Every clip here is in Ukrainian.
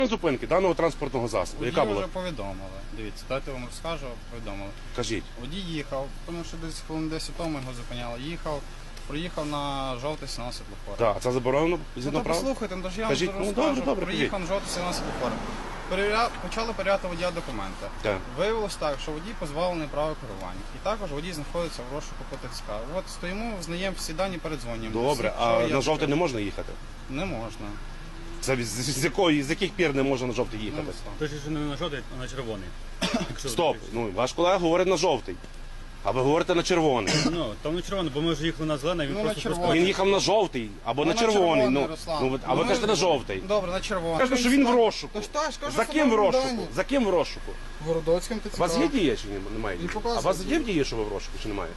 Зупинки даного транспортного засобу. Яка Водію була? вже повідомили. Дивіться, дайте вам розкажу, повідомили. Кажіть. Водій їхав, тому що десь хвилин 10 тому його зупиняли. Їхав, проїхав на жовтий сигнал світлофора. Так, це заборонено згідно Ну, прав? послухайте, ну, я вам Кажіть, зараз ну, розкажу. добре, добре, Проїхав на жовтий сигнал світлофора. Почали перевіряти водія документи. Так. Виявилось так, що водій позбавлений права керування. І також водій знаходиться в розшуку по ТЦК. От стоїмо, взнаємо всі дані, передзвонюємо. Добре, Всі, а що є на жовтий не таке. можна їхати? Не можна. Це з яких пір не можна на жовтий їхати? Ну, Точно, що не на жовтий, а на червоний. Якщо Стоп, ну ваш колега говорить на жовтий, а ви говорите на червоний. Ну, там не червоний, бо ми вже їхали на зелений, він Ну, на просто червоний. пускає. Він їхав на жовтий або Ну, на червоний. Руслан. Ну, а ви Ну, кажете на жовтий. Добре, на червоний. Кажете, що він в розшуку. То ж так, скажу, За що ким в на розшуку? Майдані. За ким в розшуку? Городоцьким ТЦК. У вас є дія чи немає? І показує А у вас є дію. дія, що ви в розшуку, чи немає?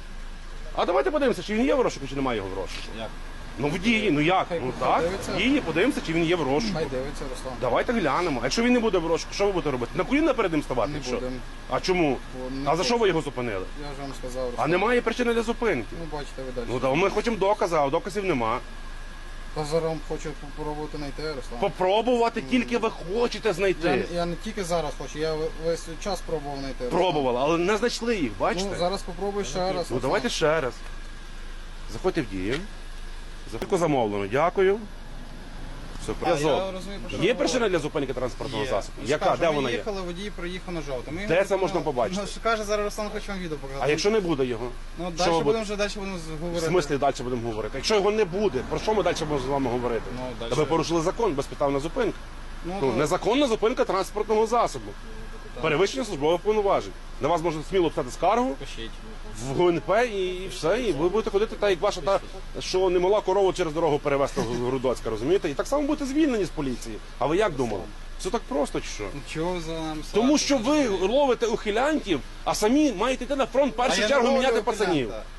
А давайте подивимося, чи він є в розшуку, чи немає його в розшуку. Як? Ну в дії, ну як? Хай Ну так, подивиться. в дії, подивимося, чи він є в розшуку. Хай дивиться, Руслан. Давайте глянемо. А якщо він не буде в розшуку, що ви будете робити? На коліна перед ним ставати? Не чи що? будемо. А чому? Бо не А за хочу. що ви його зупинили? Я ж вам сказав, А Руслан. немає причини для зупинки. Ну, бачите, ви далі. Ну так ми хочемо докази, а доказів нема. Та зараз вам хочу попробувати знайти, Руслан. Попробувати тільки ви хочете знайти. Я не тільки зараз хочу, я весь час пробував знайти. Руслан. Пробували, але не знайшли їх, бачите? Ну, зараз попробую ще раз. Ну Руслан. давайте ще раз. Заходьте в дії. Заходьте замовлено, дякую. Все, А, я зв'язок. розумію, про що Є ви причина говорите. для зупинки транспортного Є. засобу? Ну, Яка? скажу, Де ми вона є? їхали, водій проїхав на жовтий. Ми Де його це можна зупинили. побачити? Ну, що каже, зараз Руслан хоче вам відео показати. А якщо не буде його? Ну, Що далі ви будемо будете? вже далі В говорити. смислі далі будемо говорити? Якщо його не буде, про що ми далі можемо з вами говорити? Ну, далі. Та ви порушили закон, безпідставна зупинка. Ну, Ну, то- незаконна зупинка транспортного засобу. Перевищення службових повноважень. На вас можна сміло писати скаргу Пишіть. в ГУНП і все, і ви будете ходити так, як ваша та, що не могла корову через дорогу перевезти в Грудоцька, розумієте? І так само будете звільнені з поліції. А ви як думали? Все так просто чи що? Ну, чого ви за нами Тому садите? що ви ловите ухилянтів, а самі маєте йти на фронт в А першу я чергу не міняти ловлю пацанів. ухилянта.